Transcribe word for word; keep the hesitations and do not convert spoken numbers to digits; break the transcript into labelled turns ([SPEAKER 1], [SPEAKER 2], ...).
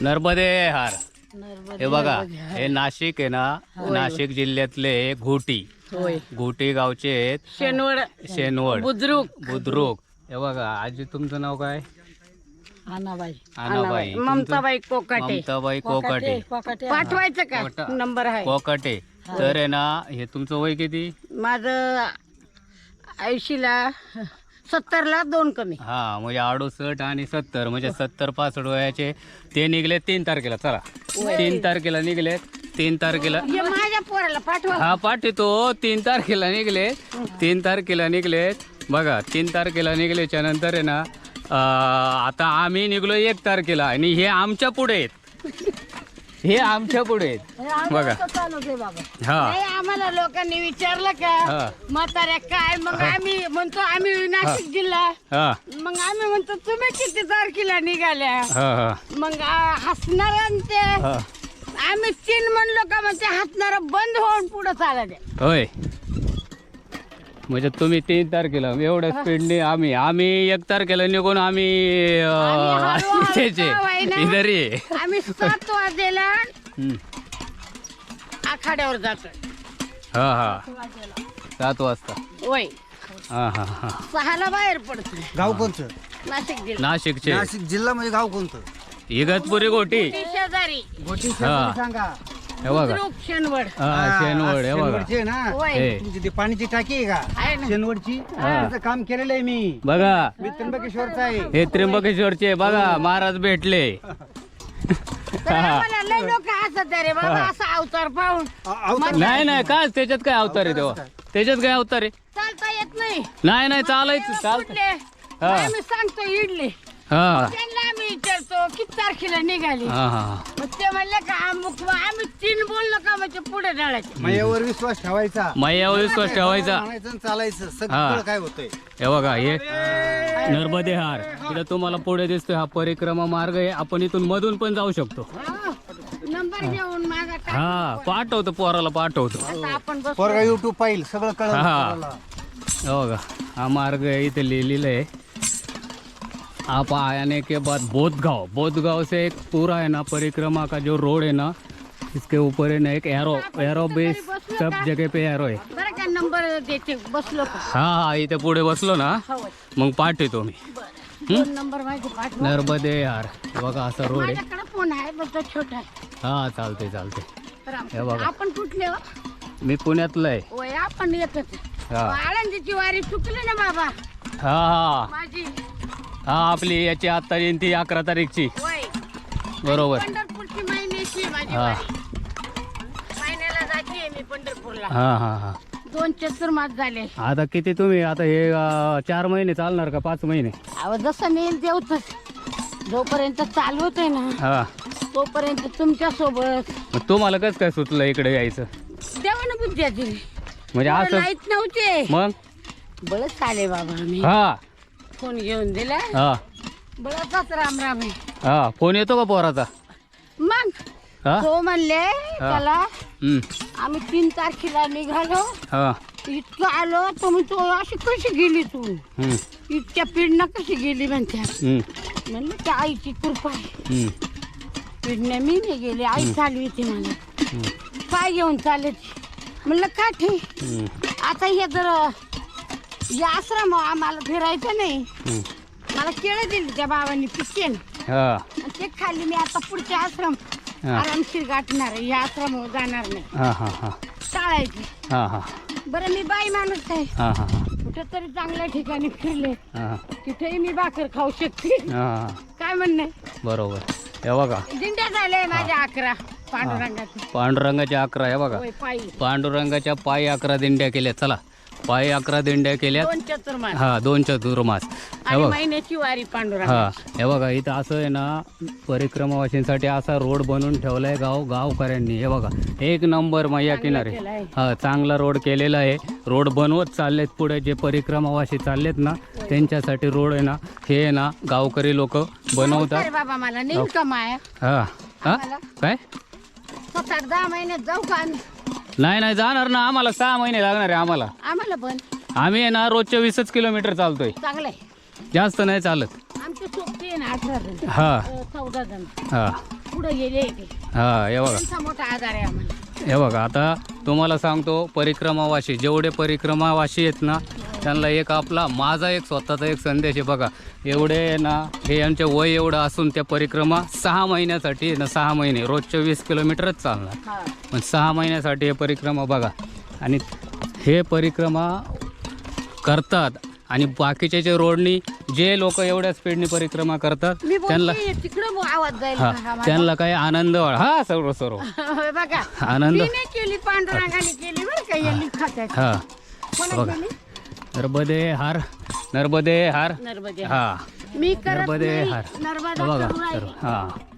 [SPEAKER 1] नर्मदे हार.
[SPEAKER 2] नर्मदे
[SPEAKER 1] हे बघा
[SPEAKER 2] नर्मदे हार.
[SPEAKER 1] हे नाशिक आहे ना, नाशिक जिल्ह्यातले घोटी
[SPEAKER 2] होय.
[SPEAKER 1] घोटी गावचे आहेत.
[SPEAKER 2] शेनवड
[SPEAKER 1] शेनवड
[SPEAKER 2] बुद्रुक
[SPEAKER 1] बुद्रुक. हे बघा आजी तुमचं नाव काय?
[SPEAKER 2] आनाबाई
[SPEAKER 1] आनाबाई. तुमचं?
[SPEAKER 2] ममताबाई कोकाटे
[SPEAKER 1] ममताबाई कोकाटे.
[SPEAKER 2] पाठवायचं का
[SPEAKER 1] कोटा-
[SPEAKER 2] नंबर आहे
[SPEAKER 1] कोकाटे. तर आहे ना, हे तुमचं वय किती?
[SPEAKER 2] माझं ऐंशीला सत्तरला दोन कमी.
[SPEAKER 1] हा म्हणजे अडुसष्ट आणि सत्तर म्हणजे सत्तर पासष्ट वयाचे ते निघले तीन तारखेला. चला तीन तारखेला निघले. तीन तारखेला
[SPEAKER 2] हे माझ्या पोराला पाठवा.
[SPEAKER 1] हा पाठवतो. तीन तारखेला निघले. तीन तारखेला निघले. बघा तीन तारखेला निघल्याच्या नंतर आहे ना, अं, आता आम्ही निघलो एक तारखेला आणि हे आमच्या पुढे आहेत. हे आमच्या पुढे आहेत बघा. हा
[SPEAKER 2] नाही, आम्हाला लोकांनी विचारलं
[SPEAKER 1] हा.
[SPEAKER 2] का म्हाताऱ्या काय, मग आम्ही म्हणतो आम्ही नाशिक जिल्हा.
[SPEAKER 1] हा
[SPEAKER 2] मग आम्ही म्हणतो तुम्ही किती तारखेला निघाल्या.
[SPEAKER 1] हा हा
[SPEAKER 2] मग आ, हसणार ते
[SPEAKER 1] हा.
[SPEAKER 2] आम्ही तीन म्हणलो का मग ते हसणार बंद होऊन पुढे चालत.
[SPEAKER 1] होय म्हणजे तुम्ही तीन तारखेला एवढ्या स्पीडने आम्ही आम्ही एक तारखेला निघून आम्ही
[SPEAKER 2] आम्ही हळूहळू
[SPEAKER 1] त्याचे
[SPEAKER 2] का होईना.
[SPEAKER 1] इधर ये.
[SPEAKER 2] आम्ही सात वाजेला
[SPEAKER 1] हम्म.
[SPEAKER 2] आखाड्यावर जातो.
[SPEAKER 1] हा हा सात वाजता.
[SPEAKER 2] वय
[SPEAKER 1] हा हा हा
[SPEAKER 2] सहाला बाहेर पडतो.
[SPEAKER 3] गाव कोणतं?
[SPEAKER 2] नाशिक जिल्हा
[SPEAKER 1] नाशिकचे
[SPEAKER 3] नाशिक जिल्हा म्हणजे गाव कोणतं?
[SPEAKER 1] इगतपुरी गोटी.
[SPEAKER 2] ती शेजारी
[SPEAKER 3] गोटी
[SPEAKER 1] हा.
[SPEAKER 3] सांगा.
[SPEAKER 1] हे बघा
[SPEAKER 2] बुद्रुक शेनवड
[SPEAKER 1] हा शेनवड. हे बघा
[SPEAKER 3] शेनवडची आहे ना,
[SPEAKER 2] वय
[SPEAKER 1] हे
[SPEAKER 3] तुमची ती पाण्याची टाकी आहे
[SPEAKER 2] आहे
[SPEAKER 3] का
[SPEAKER 2] ना.
[SPEAKER 3] शेनवडची?
[SPEAKER 1] हा.
[SPEAKER 3] त्याचं काम केलेलं आहे मी.
[SPEAKER 1] बघा
[SPEAKER 3] मी त्र्यंबकेश्वरचा आहे.
[SPEAKER 1] हे त्र्यंबकेश्वरचे बघा महाराज भेटले.
[SPEAKER 2] तर आम्हाला लय लोक हसत रे बाबा असा अवतार पाहून.
[SPEAKER 3] अ- अवतार
[SPEAKER 1] नाही नाही काय त्याच्यात काय अवतार आहे तेव्हा? त्याच्यात काय अवतार आहे?
[SPEAKER 2] चालता येत नाही.
[SPEAKER 1] नाही नाही चालायचं चालत.
[SPEAKER 2] कुठले?
[SPEAKER 1] हा.
[SPEAKER 2] आम्ही सांगतो इडली.
[SPEAKER 1] हा
[SPEAKER 2] त्यांना आम्ही विचारतो किती तारखेला निघाली.
[SPEAKER 1] हा हा
[SPEAKER 2] मग ते म्हणले का अमुक आम्ही तीन बोललो का म्हणजे पुढे जायचं.
[SPEAKER 3] माझ्यावर विश्वास ठेवायचा.
[SPEAKER 1] मैयावर विश्वास ठेवायचा.
[SPEAKER 3] म्हणायचं आणि चालायचं
[SPEAKER 1] हा.
[SPEAKER 3] सगळं काय होतंय.
[SPEAKER 1] हे बघा हे नर्मदे हार. इथं तुम्हाला पुढे दिसतोय हा परिक्रमा मार्ग आहे. आपण इथून मधून पण जाऊ शकतो.
[SPEAKER 2] हा. नंबर घेऊन माझा टाक.
[SPEAKER 1] हा पाठवतो पोराला पाठवतो.
[SPEAKER 2] आता आपण बस
[SPEAKER 3] पोरगा युट्यूब पाहिल सगळं कळलं
[SPEAKER 1] हा.
[SPEAKER 3] पोराला.
[SPEAKER 1] हे बघा हा मार्ग आहे इथे लिहिलेलं आहे. आप आने के बाद बोधगांव बोधगांव से एक पूरा है ना परिक्रमा का जो रोड है ना, इसके ऊपर है ना एक एरो एरो बेस सब जगह पे एरो है.
[SPEAKER 2] बरं का नंबर देते बसलो का.
[SPEAKER 1] हा हा इथे पुढे बसलो ना
[SPEAKER 2] हो.
[SPEAKER 1] मग पाठवतो मी.
[SPEAKER 2] दोन नंबर माझे पाठवा.
[SPEAKER 1] नर्मदे यार. हे बघा असा रोड आहे.
[SPEAKER 2] माझ्याकडे फोन आहे पण तो छोटा आहे.
[SPEAKER 1] हा चालते चालते.
[SPEAKER 2] तर
[SPEAKER 1] हे
[SPEAKER 2] आम-
[SPEAKER 1] बघा.
[SPEAKER 2] आपण कुठले हो?
[SPEAKER 1] मी पुण्यातलं आहे.
[SPEAKER 2] वय आपण येतच.
[SPEAKER 1] हा
[SPEAKER 2] आळंदीची वारी चुकली ना बाबा
[SPEAKER 1] हा हा
[SPEAKER 2] माझी.
[SPEAKER 1] हा आपली याची आता जयंती अकरा तारीखची.
[SPEAKER 2] वय
[SPEAKER 1] बरोबर.
[SPEAKER 2] पंढरपूरची महिन्याची माझी
[SPEAKER 1] हा.
[SPEAKER 2] वारी. महिन्याला जाते मी पंढरपूरला.
[SPEAKER 1] हा हा हा
[SPEAKER 2] दोन चतुर्मास झाले.
[SPEAKER 1] आता किती तुम्ही आता हे अं, चार महिने चालणार का पाच महिने?
[SPEAKER 2] अहो जसं मी देवतच जोपर्यंत चालवत आहे ना
[SPEAKER 1] हा
[SPEAKER 2] तोपर्यंत तुमच्या सोबत
[SPEAKER 1] मग तुम्हाला कसं काय सुचलं इकडे यायचं?
[SPEAKER 2] देवानं बुद्ध्या दिली.
[SPEAKER 1] म्हणजे असं
[SPEAKER 2] माहित नव्हते
[SPEAKER 1] मग?
[SPEAKER 2] बळच आले बाबा मी
[SPEAKER 1] हा
[SPEAKER 2] फोन घेऊन दिला
[SPEAKER 1] हा
[SPEAKER 2] बळचाच राम राम आहे.
[SPEAKER 1] हा फोन येतो का पोराचा?
[SPEAKER 2] मग
[SPEAKER 1] हा
[SPEAKER 2] तो म्हणले त्याला
[SPEAKER 1] हम्म,
[SPEAKER 2] आम्ही तीन तारखेला निघालो
[SPEAKER 1] हा
[SPEAKER 2] इतकं आलो तुम्ही तो अशी कशी गेली तू
[SPEAKER 1] हम्म,
[SPEAKER 2] इतक्या पिढनं कशी गेली म्हणत्या.
[SPEAKER 1] हम्म,
[SPEAKER 2] म्हणलं त्या आईची कृपा आहे.
[SPEAKER 1] हम्म,
[SPEAKER 2] पिढण्या मी नाही गेले आई चालवी ती मला
[SPEAKER 1] हम्म,
[SPEAKER 2] पाय घेऊन चालत. म्हणलं का ठीक
[SPEAKER 1] हम्म,
[SPEAKER 2] आता हे जर या आश्रम आम्हाला फिरायचं नाही.
[SPEAKER 1] हम्म.
[SPEAKER 2] मला केळं दिली त्या बाबांनी पिकेन
[SPEAKER 1] हा
[SPEAKER 2] आणि ते खाल्ली. मी आता पुढचे आश्रम
[SPEAKER 1] हा.
[SPEAKER 2] आरामशीर गाठणार आहे. या आश्रम जाणार नाही
[SPEAKER 1] हा हा हा
[SPEAKER 2] टाळायची.
[SPEAKER 1] हा हा
[SPEAKER 2] बरं मी बाई माणूस आहे.
[SPEAKER 1] हा हा
[SPEAKER 2] कुठं तरी चांगल्या ठिकाणी फिरले
[SPEAKER 1] हा
[SPEAKER 2] तिथेही मी भाकर खाऊ शकते.
[SPEAKER 1] हा
[SPEAKER 2] काय म्हणणे
[SPEAKER 1] बरोबर. हे बघा
[SPEAKER 2] दिंड्या झाल्या माझ्या अकरा पांडुरंगाच्या.
[SPEAKER 1] पांडुरंगाच्या अकरा. हे बघा
[SPEAKER 2] होय, पायी
[SPEAKER 1] पांडुरंगाच्या पायी अकरा दिंड्या केल्या. चला पायी अकरा दिंड्या केल्यात.
[SPEAKER 2] दोन चतुर्मास
[SPEAKER 1] हा दोन चतुर्मास. हे
[SPEAKER 2] आणि
[SPEAKER 1] बघ
[SPEAKER 2] महिन्याची वारी पांडुरंग.
[SPEAKER 1] हा हे बघा इथं असं आहे ना परिक्रमावासींसाठी असा रोड बनवून ठेवलाय गाव गावकऱ्यांनी. हे बघा एक नंबर मैया किनारे.
[SPEAKER 2] केला आहे.
[SPEAKER 1] हा चांगला रोड केलेला आहे. रोड बनवत चाललेत पुढे जे परिक्रमावासी चाललेत ना त्यांच्यासाठी रोड आहे ना हे आहे ना गावकरी लोक बनवतात.
[SPEAKER 2] अरे बाबा मला नेईल का माया
[SPEAKER 1] हा हा
[SPEAKER 2] आम्हाला?
[SPEAKER 1] काय
[SPEAKER 2] सात आठ दहा महिन्यात जाऊ का आम्ही.
[SPEAKER 1] नाही नाही जाणार ना. आम्हाला सहा महिने लागणार आहे आम्हाला.
[SPEAKER 2] आम्हाला पण
[SPEAKER 1] आम्ही आहे ना रोजच्या वीसच किलोमीटर चालतोय.
[SPEAKER 2] चांगलं आहे.
[SPEAKER 1] जास्त नाही चालत.
[SPEAKER 2] आमची सोबती आहे ना अठरा जण
[SPEAKER 1] हा
[SPEAKER 2] अ, चौदा जण.
[SPEAKER 1] हा
[SPEAKER 2] पुढे गेले ते.
[SPEAKER 1] हा हे बघा
[SPEAKER 2] त्यांचा मोठा आधार आहे आम्हाला.
[SPEAKER 1] हे बघा आता तुम्हाला सांगतो परिक्रमावासी जेवढे परिक्रमावासी आहेत ना त्यांना एक आपला माझा एक स्वतःचा एक संदेश आहे बघा. एवढे ना हे यांचे वय एवढं असून त्या परिक्रमा सहा महिन्यासाठी आहे ना सहा महिने रोजच्या वीस किलोमीटरच चालणार.
[SPEAKER 2] हा.
[SPEAKER 1] पण सहा महिन्यासाठी हे परिक्रमा बघा आणि हे परिक्रमा करतात आणि बाकीचे जे रोडनी जे लोक एवढ्या स्पीडनी परिक्रमा करतात
[SPEAKER 2] मी
[SPEAKER 1] त्यांना
[SPEAKER 2] बोलते तिकडं आवाज जाईल
[SPEAKER 1] हा
[SPEAKER 2] का हा माझा?
[SPEAKER 1] त्यांना काही आनंद वाढ हा सर्व सर्व
[SPEAKER 2] बघा
[SPEAKER 1] आनंद
[SPEAKER 2] मी नाही केली पांडुरंगाने केली बरं का यांनी खात्यात.
[SPEAKER 1] हा
[SPEAKER 2] कोणा
[SPEAKER 1] बघा.
[SPEAKER 2] केली?
[SPEAKER 1] नर्मदे हार नर्मदे हार
[SPEAKER 2] नर्मदे.
[SPEAKER 1] हा
[SPEAKER 2] मी करत
[SPEAKER 1] नर्मदे
[SPEAKER 2] नाही.
[SPEAKER 1] हार
[SPEAKER 2] नर्मदा
[SPEAKER 1] बघा
[SPEAKER 2] करू राहिली.
[SPEAKER 1] सर्व हा